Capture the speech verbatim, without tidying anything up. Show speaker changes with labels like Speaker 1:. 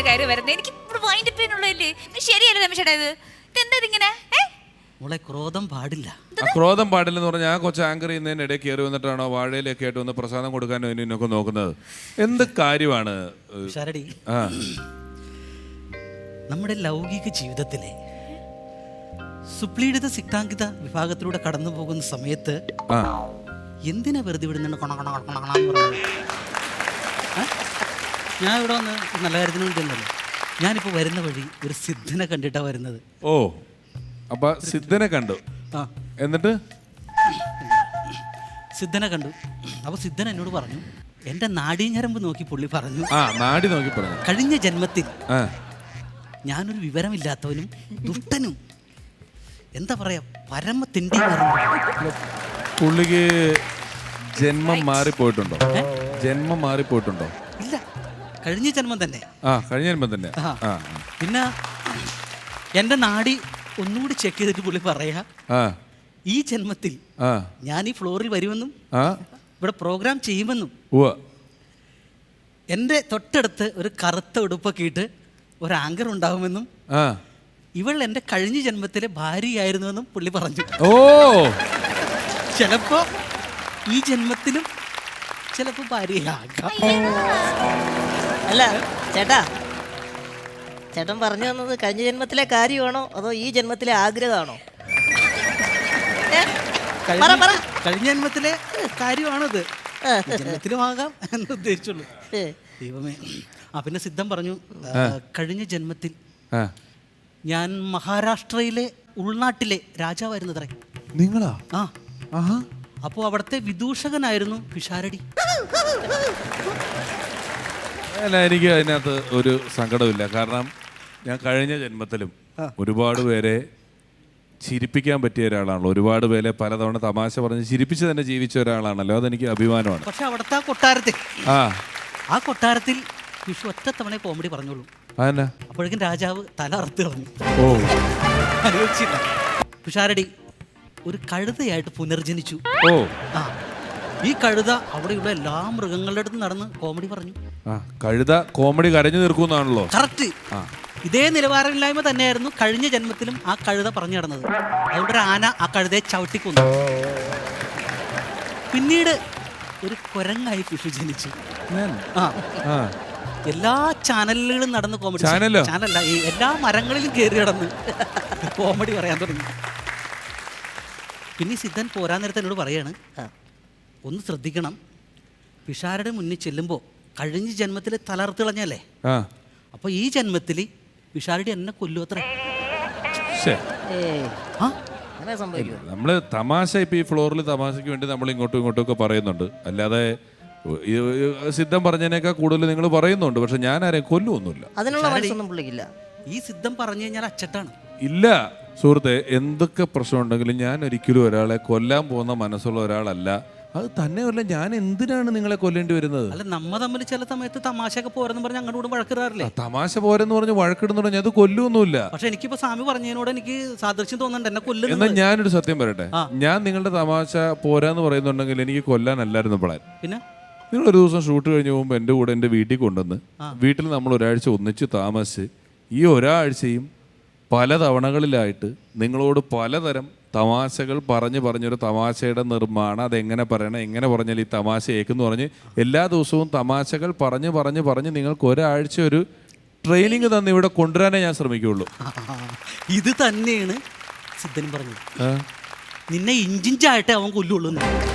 Speaker 1: കയറി വരുന്നത്. എനിക്ക് ഇവിടെ വൈൻഡ് പെയിൻ ഉള്ളതല്ലേ. ശരിയല്ലേ രമേശേട്ടാ ഇത്? ഇതെന്താ ഇതിങ്ങനെ?
Speaker 2: മോളെ ക്രോധം പാടില്ല.
Speaker 3: ആ ക്രോധം പാടില്ലെന്ന് പറഞ്ഞാൽ ആ കൊച്ചു ആങ്കർ ചെയ്യുന്നതിന് ഇടയിൽ കയറി വന്നിട്ടാണോ വാഴയിലൊക്കെ ആയിട്ട് വന്ന് പ്രസാദം കൊടുക്കാനോ ഇതിനൊക്കെ നോക്കുന്നത്? എന്ത് കാര്യമാണ്?
Speaker 2: ശരടി,
Speaker 3: ആ
Speaker 2: നമ്മുടെ ലൗകിക ജീവിതത്തിലെ സുപ്ലീഡിത സിക്താങ്കിത വിഭാഗത്തിലൂടെ കടന്നു പോകുന്ന സമയത്ത് എന്തിനാ വെറുതെ വിടുന്നുണ്ട് കൊണ കൊണ കൊണ കൊണാന്ന് പറഞ്ഞത്? ഞാൻ ഇവിടെ വന്ന് നല്ല കാര്യത്തിന് വേണ്ടിയൊന്നുമല്ല. ഞാനിപ്പോൾ വരുന്ന വഴി ഒരു സിദ്ധനെ കണ്ടിട്ടാണ് വരുന്നത്.
Speaker 3: ഓ, അപ്പൊ സിദ്ധനെ കണ്ടു.
Speaker 2: ആ,
Speaker 3: എന്നിട്ട്
Speaker 2: സിദ്ധനെ കണ്ടു. അപ്പോൾ സിദ്ധൻ എന്നോട് പറഞ്ഞു, എൻ്റെ നാഡീഞരമ്പ് നോക്കി പുള്ളി പറഞ്ഞു,
Speaker 3: ആ നാടി നോക്കി പറഞ്ഞു,
Speaker 2: കഴിഞ്ഞ ജന്മത്തിൽ
Speaker 3: ആ
Speaker 2: ഞാനൊരു വിവരമില്ലാത്തവനും ദുഷ്ടനും എന്താ പറയാ പരമ തിണ്ടിയുമായിരുന്നു.
Speaker 3: പുള്ളിക്ക് ജന്മം മാറിപ്പോയിട്ടുണ്ടോ? ജന്മം മാറിപ്പോയിട്ടുണ്ടോ?
Speaker 2: ഇല്ല, കഴിഞ്ഞ ജന്മം തന്നെ.
Speaker 3: ആ കഴിഞ്ഞ ജന്മം തന്നെ. ആ
Speaker 2: പിന്നെ എൻ്റെ നാടി ഒന്നുകൂടി ചെക്ക് ചെയ്തിട്ട് പുള്ളി പറയാ,
Speaker 3: ആ
Speaker 2: ഈ ജന്മത്തിൽ
Speaker 3: ആ
Speaker 2: ഞാൻ ഈ ഫ്ലോറിൽ വരുമെന്നും
Speaker 3: ആ
Speaker 2: ഇവിടെ പ്രോഗ്രാം ചെയ്യുമെന്നും
Speaker 3: ഉവ്വ
Speaker 2: എൻ്റെ തൊട്ടടുത്ത് ഒരു കറുത്ത ഉടുപ്പൊക്കെ ഇട്ട് ഒരു ആങ്കർ ഉണ്ടാവുമെന്നും
Speaker 3: ആ
Speaker 2: ഇവൾ എൻ്റെ കഴിഞ്ഞ ജന്മത്തിലെ ഭാര്യയായിരുന്നുവെന്നും പുള്ളി പറഞ്ഞു.
Speaker 3: ഓ,
Speaker 2: ചിലപ്പോ ഈ ജന്മത്തിലും ചിലപ്പോ ഭാര്യയാകാം.
Speaker 4: അല്ല ചേട്ടാ, ചേട്ടൻ പറഞ്ഞു തന്നത് കഴിഞ്ഞ ജന്മത്തിലെ കാര്യമാണോ അതോ ഈ ജന്മത്തിലെ ആഗ്രഹമാണോ?
Speaker 2: കഴിഞ്ഞ ജന്മത്തിലെ കാര്യമാണത്, ജന്മത്തിലും ആകാം എന്ന് ഉദ്ദേശിച്ചുള്ളൂ. ദൈവമേ. ആ പിന്നെ സിദ്ധം പറഞ്ഞു, കഴിഞ്ഞ ജന്മത്തിൽ ഞാൻ മഹാരാഷ്ട്രയിലെ ഉൾനാട്ടിലെ രാജാവായിരുന്നത്രേ.
Speaker 3: നിങ്ങളാ?
Speaker 2: ആ, അപ്പോൾ അവിടുത്തെ വിദൂഷകനായിരുന്നു പിഷാരടി.
Speaker 3: അല്ല, എനിക്ക് അതിനകത്ത് ഒരു സങ്കടമില്ല. കാരണം ഞാൻ കഴിഞ്ഞ ജന്മത്തിലും ഒരുപാട് പേരെ ചിരിപ്പിക്കാൻ പറ്റിയ ഒരാളാണല്ലോ. ഒരുപാട് പേരെ പലതവണ തമാശ പറഞ്ഞ് ചിരിപ്പിച്ച് തന്നെ ജീവിച്ച ഒരാളാണല്ലോ. അതെനിക്ക് അഭിമാനമാണ്.
Speaker 2: പക്ഷെ അവിടുത്തെ ആ കൊട്ടാരത്തിൽ
Speaker 3: ആ
Speaker 2: ആ കൊട്ടാരത്തിൽ വിഷു ഒറ്റ തവണ കോമഡി പറഞ്ഞോളൂ.
Speaker 3: അതന്നെ.
Speaker 2: അപ്പോഴേക്കും രാജാവ് തല അറുത്ത് കളഞ്ഞു.
Speaker 3: ഓ,
Speaker 2: ആലോചിച്ചില്ല. പിഷാരടി ഒരു കഴുതയായിട്ട് പുനർജനിച്ചു.
Speaker 3: ഓ,
Speaker 2: ആ ഈ കഴുത അവിടെയുള്ള എല്ലാ മൃഗങ്ങളുടെ അടുത്ത് നടന്ന് കോമഡി പറഞ്ഞു.
Speaker 3: ആ കഴുത കോമഡി കരഞ്ഞു തീർക്കുന്നാണല്ലോ.
Speaker 2: കറക്റ്റ്. ഇതേ നിലവാരമില്ലായ്മ തന്നെയായിരുന്നു കഴിഞ്ഞ ജന്മത്തിലും ആ കഴുത പറഞ്ഞു നടന്നത്. അതുകൊണ്ട് ഒരു ആന ആ കഴുതയെ ചവിട്ടിക്കൊന്നു. പിന്നീട് ഒരു കുരങ്ങായി പിഷു ജനിച്ചു. ആ എല്ലാ ചാനലുകളും നടന്ന് കോമഡി. ചാനലല്ല, ഈ എല്ലാ മരങ്ങളിലും കയറി നടന്ന് കോമഡി പറയാൻ തുടങ്ങി. പിന്നെ സിദ്ധൻ പോരാൻ നേരത്തെ എന്നോട് പറയാണ്, ഒന്ന് ശ്രദ്ധിക്കണം, പിഷാരുടെ മുന്നിൽ ചെല്ലുമ്പോൾ കഴിഞ്ഞ ജന്മത്തിൽ തലർത്ത് കളഞ്ഞല്ലേ, അപ്പോൾ ഈ ജന്മത്തിൽ പിഷാരടി എന്നെ കൊല്ലു അത്രേ.
Speaker 3: നമ്മള് തമാശ ഇപ്പൊ ഈ ഫ്ലോറിൽ തമാശക്ക് വേണ്ടി നമ്മൾ ഇങ്ങോട്ടും ഇങ്ങോട്ടും ഒക്കെ പറയുന്നുണ്ട്. അല്ലാതെ സിദ്ധം പറഞ്ഞതിനേക്കാൾ കൂടുതൽ നിങ്ങൾ പറയുന്നുണ്ട്. പക്ഷെ ഞാൻ ആരെയും കൊല്ലുമൊന്നുമില്ല.
Speaker 4: അതിനുള്ള മനസ്സൊന്നും പുള്ളിക്കില്ല.
Speaker 2: ഈ സിദ്ധം പറഞ്ഞു കഴിഞ്ഞാൽ അച്ചട്ടാണ്.
Speaker 3: ഇല്ല സുഹൃത്തെ, എന്തൊക്കെ പ്രശ്നമുണ്ടെങ്കിലും ഞാൻ ഒരിക്കലും ഒരാളെ കൊല്ലാൻ പോകുന്ന മനസ്സുള്ള ഒരാളല്ല. അത് തന്നെയല്ല, ഞാൻ എന്തിനാണ് നിങ്ങളെ കൊല്ലേണ്ടി വരുന്നത്?
Speaker 2: അല്ല, നമ്മ തമ്മിൽ ചില സമയത്ത് തമാശയൊക്കെ പോരെന്ന് പറഞ്ഞ് അങ്ങോട്ട് കൂടെ വഴക്കിടാറില്ലേ?
Speaker 3: തമാശ പോരെന്ന് പറഞ്ഞ് വഴക്കിടുന്നു പറഞ്ഞാൽ അത് കൊല്ലൊന്നുമില്ല.
Speaker 2: പക്ഷെ എനിക്കിപ്പോ സ്വാമി പറഞ്ഞതിനോട് എനിക്ക് സാദൃശ്യം തോന്നുന്നുണ്ട് എന്നെ കൊല്ലുന്നു.
Speaker 3: എന്നാൽ ഞാനൊരു സത്യം പറയട്ടെ, ഞാൻ നിങ്ങളുടെ തമാശ പോരാന്ന് പറയുന്നുണ്ടെങ്കിൽ എനിക്ക് കൊല്ലാനല്ലായിരുന്നു പ്ലാൻ. പിന്നെ നിങ്ങൾ ഒരു ദിവസം ഷൂട്ട് കഴിഞ്ഞ് പോകുമ്പോൾ എൻ്റെ കൂടെ എൻ്റെ വീട്ടിൽ കൊണ്ടുവന്ന് വീട്ടിൽ നമ്മൾ ഒരാഴ്ച ഒന്നിച്ച് താമസിച്ച് ഈ ഒരാഴ്ചയും പല തവണകളിലായിട്ട് നിങ്ങളോട് പലതരം തമാശകൾ പറഞ്ഞ് പറഞ്ഞൊരു തമാശയുടെ നിർമ്മാണം, അതെങ്ങനെ പറയണം, എങ്ങനെ പറഞ്ഞാൽ ഈ തമാശ ഏക്കെന്ന് പറഞ്ഞ് എല്ലാ ദിവസവും തമാശകൾ പറഞ്ഞ് പറഞ്ഞ് പറഞ്ഞ് നിങ്ങൾക്ക് ഒരാഴ്ച ഒരു ട്രെയിനിങ് തന്ന് ഇവിടെ കൊണ്ടുവരാനേ ഞാൻ ശ്രമിക്കുകയുള്ളൂ.
Speaker 2: ഇത് തന്നെയാണ് സിദ്ധനും പറഞ്ഞത്. നിന്നെ ഇഞ്ചിഞ്ചായിട്ടേ അവൻ കൊല്ലുള്ളൂ.